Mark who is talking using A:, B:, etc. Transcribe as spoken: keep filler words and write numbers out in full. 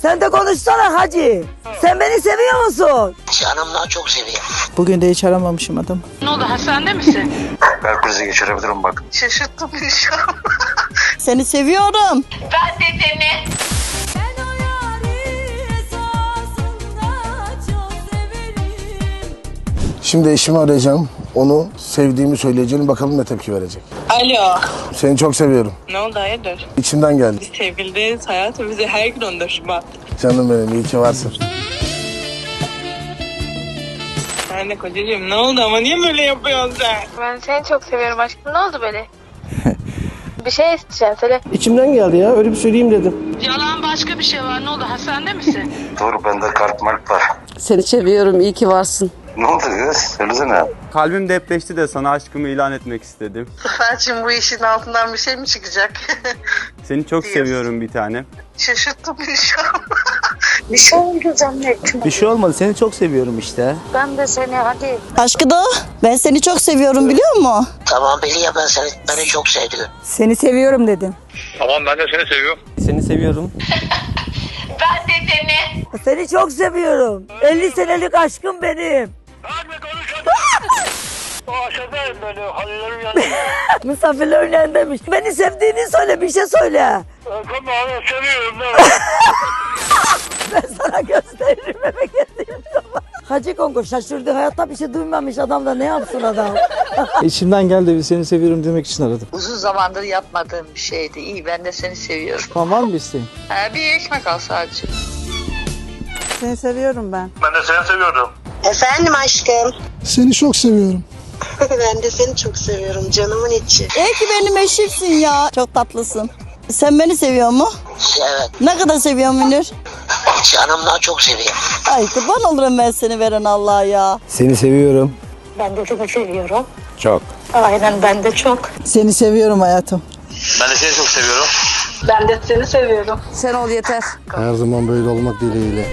A: Sen de konuşsana hacı. Sen beni seviyor musun?
B: Canımdan çok seviyorum.
C: Bugün de hiç aramamışım adam.
D: Ne oldu, hastanede misin?
E: Kalp krizi geçirebilirim bak.
D: Şaşırttın beni şu an.
C: Seni seviyorum.
D: Ben de seni.
F: Şimdi eşimi arayacağım. Onu sevdiğimi söyleyeceğim. Bakalım ne tepki verecek.
G: Alo.
F: Seni çok seviyorum.
G: Ne oldu, hayırdır?
F: İçimden geldi.
G: Biz sevgiliyiz hayatım, bize her gün on dört Şubat.
F: Canım benim, iyi ki varsın.
G: Anne kocacığım ne oldu ama niye böyle yapıyorsun sen?
H: Ben seni çok seviyorum aşkım. Ne oldu böyle? Bir şey isteyeceğim söyle.
I: İçimden geldi ya. Öyle bir söyleyeyim dedim.
D: Yalan, başka bir şey var. Ne oldu, hastanede misin?
E: Doğru, bende kalp mark var.
C: Seni seviyorum. İyi ki varsın.
E: Ne oldu kız? Söylesene.
J: Kalbim depreşti de sana aşkımı ilan etmek istedim.
D: Seferciğim, bu işin altından bir şey mi çıkacak?
J: Seni çok
D: Diyorsun.
J: seviyorum bir tane.
D: Şaşırttın beni şu an.
H: Bir şey oldu zannettim.
I: Bir şey olmadı. Seni çok seviyorum işte.
H: Ben de seni hadi.
C: Aşkı da ben seni çok seviyorum biliyor musun?
B: Tamam biliyorum, ben seni, beni çok sevdim.
A: Seni seviyorum dedim.
E: Tamam, ben de seni seviyorum.
I: Seni seviyorum.
D: Ben de seni.
A: Seni çok seviyorum. elli senelik aşkım benim.
E: Hadi konuş hadi. O aşağıdayım böyle, hallerim yanında.
A: Misafirlerin yanındaymış. Beni sevdiğini söyle, bir şey söyle.
E: Tamam, seviyorum da.
A: Ben sana gösteririm eve geldiğim zaman. Hacı Kongo şaşırdı. Hayatta bir şey duymamış adam da ne yapsın adam?
I: İçimden geldi. Seni seviyorum demek için aradım.
G: Uzun zamandır yapmadığım bir şeydi. İyi, ben de seni seviyorum.
I: Tamam, var mı bir isteğin?
G: Ha, bir ekmek al sadece.
C: Seni seviyorum ben.
E: Ben de seni seviyorum.
B: Efendim aşkım.
F: Seni çok seviyorum.
B: Ben de seni çok seviyorum canımın içi.
C: İyi ki benim eşimsin ya. Çok tatlısın. Sen beni seviyor mu?
B: Evet,
C: Ne kadar seviyorsun Münir?
B: canımdan çok seviyorum.
C: Ay kurban olurum ben seni veren Allah'a ya.
I: Seni seviyorum.
H: Ben de seni seviyorum.
I: Çok.
H: Aynen, ben de çok.
C: Seni seviyorum hayatım.
E: Ben de seni çok seviyorum.
D: Ben de seni seviyorum.
C: Sen ol yeter.
F: Her zaman böyle olmak dileğiyle.